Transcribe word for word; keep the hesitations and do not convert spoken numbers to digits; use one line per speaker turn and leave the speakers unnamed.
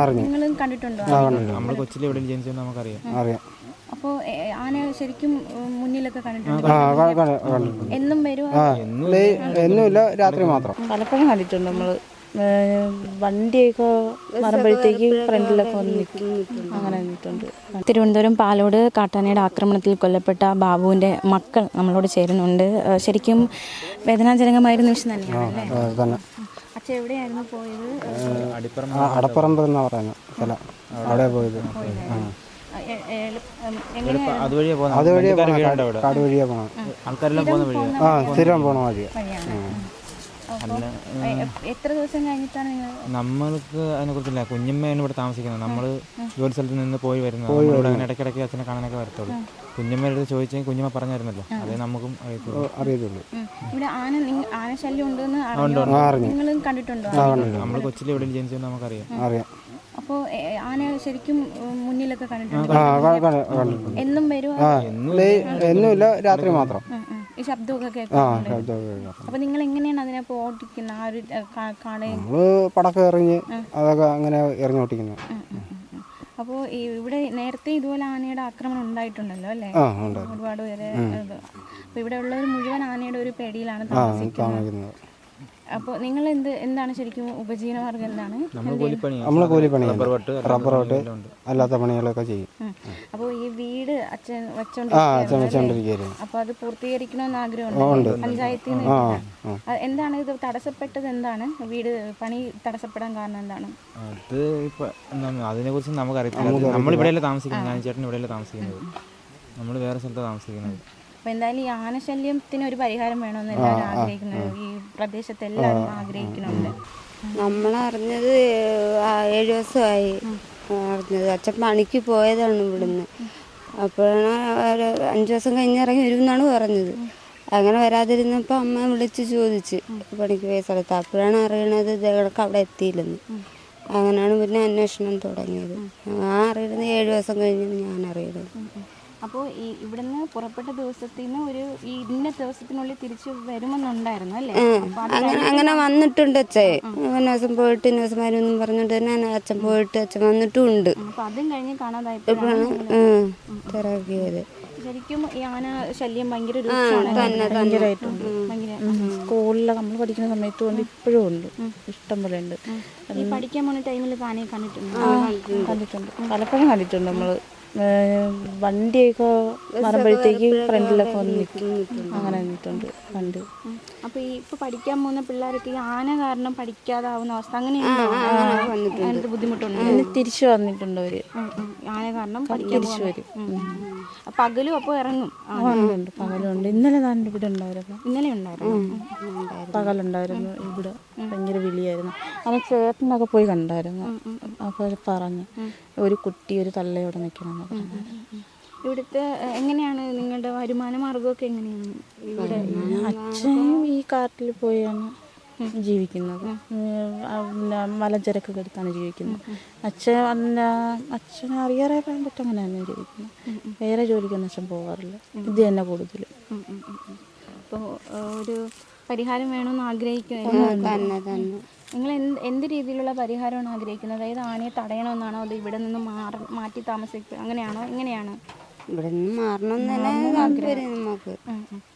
നിങ്ങളും കണ്ടിട്ടുണ്ടോ?
നമ്മൾ കൊച്ചിലെ എവിടെ ജനിച്ചെന്ന് നമുക്കറിയാം.
അറിയാം.
അപ്പോൾ ആന ശരിക്കും മുന്നിലൊക്കെ കണ്ടിട്ടുണ്ടോ? എന്നും വരുമോ?
എന്നുമില്ല, രാത്രി മാത്രം.
പലപ്പോഴും കണ്ടിട്ടുണ്ട് നമ്മൾ. വണ്ടിയൊക്കെ വരുമ്പോഴത്തേക്ക് ഫ്രണ്ടിലൊക്കെ വന്ന് നിൽക്കും, അങ്ങനെ നിന്നിട്ടുണ്ട്.
തിരുവനന്തപുരം പാലോട് കാട്ടാനയുടെ ആക്രമണത്തിൽ കൊല്ലപ്പെട്ട ബാബുവിൻ്റെ മക്കൾ നമ്മളോട് ചേരുന്നുണ്ട്. ശരിക്കും വേദനാജനകമായ ഒരു നിമിഷം തന്നെയാണ്. അച്ഛൻ എവിടെയായിരുന്നു പോയത്?
അടപ്പറമ്പ് എന്ന് പറയുന്ന സ്ഥലം, അവിടെ പോയത്.
അതുവഴിയാ
കാട് വഴിയാ പോണ
ആൾക്കാരെല്ലാം പോകുന്ന വഴിയാണ്.
ആ സ്ഥിരം പോണ വഴിയാ.
എത്ര ദിവസം കഴിഞ്ഞിട്ടാണ് നിങ്ങൾ?
നമ്മൾക്ക് അതിനെ കുറിച്ചില്ല. കുഞ്ഞമ്മയാണ് ഇവിടെ താമസിക്കുന്നത്. നമ്മൾ ജോലി സ്ഥലത്ത് നിന്ന് പോയി വരുന്നത്. നമ്മളിവിടെ അങ്ങനെ ഇടയ്ക്കിടയ്ക്ക് അച്ഛനെ കാണാനൊക്കെ വരത്തുള്ളൂ. കുഞ്ഞമ്മയുടെ അടുത്ത് ചോദിച്ചെങ്കിൽ കുഞ്ഞമ്മ പറഞ്ഞായിരുന്നല്ലോ, അതേ നമുക്കും
അറിയത്തുള്ളൂ.
ഇവിടെ ആന ആന ശല്യം ഉണ്ടെന്ന് നിങ്ങളും കണ്ടിട്ടുണ്ടോ?
നമ്മൾ കൊച്ചിലെ എവിടെ ജനിച്ചെന്ന് നമുക്കറിയാം.
അറിയാം.
അപ്പോൾ ആന ശരിക്കും മുന്നിലൊക്കെ കണ്ടിട്ടുണ്ടോ? എന്നും വരുമോ?
എന്നുമില്ല, രാത്രി മാത്രം.
ഈ ശബ്ദമൊക്കെ കേൾക്കുന്നുണ്ട്. അപ്പൊ നിങ്ങൾ എങ്ങനെയാണ് അതിനെ ഓടിക്കുന്നത്? ആ ഒരു
നമ്മള് പടക്കം എറിഞ്ഞ് അതൊക്കെ അങ്ങനെ എറിഞ്ഞ് ഓട്ടിക്കുന്നത്.
അപ്പോൾ ഇവിടെ നേരത്തെ ഇതുപോലെ ആനയുടെ ആക്രമണം ഉണ്ടായിട്ടുണ്ടല്ലോ അല്ലേ? ഒരുപാട് പേര്. അപ്പൊ ഇവിടെ ഉള്ളവർ മുഴുവൻ ആനയുടെ ഒരു പേടിയിലാണ് താമസിക്കുന്നത്. അപ്പോൾ നിങ്ങൾ എന്ത് എന്താണ് ശരിക്കും ഉപജീവന മാർഗം? എന്താണ്?
നമ്മള് കൂലിപ്പണി, റബ്ബർ വെട്ട്, അല്ലാത്ത പണികളൊക്കെ ചെയ്യും.
അപ്പോൾ ഈ വീട് അച്ഛൻ വെച്ചോണ്ടിരിക്കുന്നു. അപ്പൊ അത് പൂർത്തീകരിക്കണമെന്ന് ആഗ്രഹമുണ്ട് പഞ്ചായത്തിൽ നിന്ന്. എന്താണ് ഇത് തടസ്സപ്പെട്ടത്? എന്താണ് വീട് പണി തടസ്സപ്പെടാൻ കാരണം? എന്താണ്
അത്? ഇപ്പൊ അതിനെ കുറിച്ച് നമുക്കറിയത്തില്ല. നമ്മളിവിടെയല്ലേ താമസിക്കുന്നത്. ഞാൻ ചേട്ടൻ ഇവിടെയല്ലേ താമസിക്കുന്നത്. നമ്മൾ വേറെ സ്ഥലത്താണ് താമസിക്കുന്നത്.
അപ്പോൾ എന്തായാലും ഈ ആനശല്യത്തിന് ഒരു പരിഹാരം വേണമെന്ന് എല്ലാവരും ആഗ്രഹിക്കുന്നത്, ഈ പ്രദേശത്ത് എല്ലാവരും ആഗ്രഹിക്കുന്നുണ്ട്.
നമ്മളറിഞ്ഞത് ഏഴ് ദിവസമായി അറിഞ്ഞത്. അച്ഛൻ പണിക്ക് പോയതാണ് ഇവിടുന്ന്. അപ്പോഴാണ് ഒരു അഞ്ച് ദിവസം കഴിഞ്ഞിറങ്ങി വരുമെന്നാണ് പറഞ്ഞത്. അങ്ങനെ വരാതിരുന്നപ്പോൾ അമ്മ വിളിച്ച് ചോദിച്ച് പണിക്ക് പോയ സ്ഥലത്ത്. അപ്പോഴാണ് അറിയണത് ഇതൊക്കെ അവിടെ എത്തിയില്ലെന്ന്. അങ്ങനെയാണ് പിന്നെ അന്വേഷണം തുടങ്ങിയത്. ഞാൻ അറിയുന്നത് ഏഴ് ദിവസം കഴിഞ്ഞാണ് ഞാൻ അറിയുന്നത്.
അപ്പോൾ ഈ ഇവിടുന്ന് പുറപ്പെട്ട ദിവസത്തിൽ നിന്ന് ഒരു ഈ ഇന്ന ദിവസത്തിനുള്ളിൽ തിരിച്ചു വരുമെന്നുണ്ടായിരുന്നു അല്ലേ?
അങ്ങനെ അങ്ങനെ വന്നിട്ടുണ്ട് അച്ഛൻ. ഒരു ദിവസം പോയിട്ട് ഇന്ന ദിവസം വരുമെന്നും പറഞ്ഞിട്ട് തന്നെ അച്ഛൻ പോയിട്ട് അച്ഛൻ വന്നിട്ടും ഉണ്ട്.
അപ്പോൾ അതും കഴിഞ്ഞ് കാണാതായപ്പോഴാണ്
തിരക്കിയത്.
ശരിക്കും ഈ ആന ശല്യം ഭയങ്കര
ഭയങ്കരമായിട്ടുണ്ട്. സ്കൂളിലൊക്കെ നമ്മൾ പഠിക്കുന്ന സമയത്ത് കൊണ്ട് ഇപ്പോഴും ഉണ്ട്, ഇഷ്ടം പോലെ ഉണ്ട്.
ഈ പഠിക്കാൻ പോകുന്ന ടൈമിൽ ആനയെ കണ്ടിട്ടുണ്ട്
കണ്ടിട്ടുണ്ട് പലപ്പോഴും കണ്ടിട്ടുണ്ട് നമ്മൾ. വണ്ടിയൊക്കെ വരുമ്പോഴത്തേക്ക് ഫ്രണ്ടിലൊക്കെ വന്ന് നിൽക്കും, അങ്ങനെ നിന്നിട്ടുണ്ട് കണ്ട്.
അപ്പോൾ ഈ ഇപ്പോൾ പഠിക്കാൻ പോകുന്ന പിള്ളേർക്ക് ഈ ആന കാരണം പഠിക്കാതാവുന്ന അവസ്ഥ അങ്ങനെയുണ്ട്? ബുദ്ധിമുട്ടുണ്ട്.
തിരിച്ചു വന്നിട്ടുണ്ട് അവര്.
ആന കാരണം
തിരിച്ചു വരും.
പകലും അപ്പോൾ ഇറങ്ങും?
ഉണ്ട്, പകലുണ്ട്. ഇന്നലെ താൻ ഇവിടെ ഉണ്ടായിരുന്നു.
ഇന്നലെ ഉണ്ടായിരുന്നു,
പകലുണ്ടായിരുന്നു. ഇവിടെ ഭയങ്കര വിളിയായിരുന്നു. അവൻ ചേട്ടനൊക്കെ പോയി കണ്ടായിരുന്നു. അപ്പോൾ പറഞ്ഞു ഒരു കുട്ടി ഒരു തള്ളയോടെ നിൽക്കണം.
ഇവിടുത്തെ എങ്ങനെയാണ് നിങ്ങളുടെ വരുമാന മാർഗമൊക്കെ എങ്ങനെയാണ്? ഇവിടെ
അച്ഛൻ ഈ കാട്ടിൽ പോയാണ് ജീവിക്കുന്നത്. മലഞ്ചരക്കൊക്കെ എടുത്താണ് ജീവിക്കുന്നത്. അച്ഛൻ അച്ഛനെ അറിയാറേ പറയാൻ പറ്റും, അങ്ങനെ തന്നെ ജീവിക്കുന്നത്. വേറെ ജോലിക്കൊന്നും അച്ഛൻ പോകാറില്ല, ഇത് തന്നെ കൂടുതൽ.
അപ്പോൾ ഒരു പരിഹാരം വേണമെന്ന് ആഗ്രഹിക്കുന്നത് നിങ്ങൾ എന്ത് എന്ത് രീതിയിലുള്ള പരിഹാരമാണ് ആഗ്രഹിക്കുന്നത്? അതായത് ആനയെ തടയണമെന്നാണോ, അത് ഇവിടെ നിന്ന് മാറി മാറ്റി താമസിക്കുക അങ്ങനെയാണോ, എങ്ങനെയാണ്?
ഇവിടെ നിന്ന് മാറണമെന്ന് തന്നെ താല്പര്യം നമുക്ക്.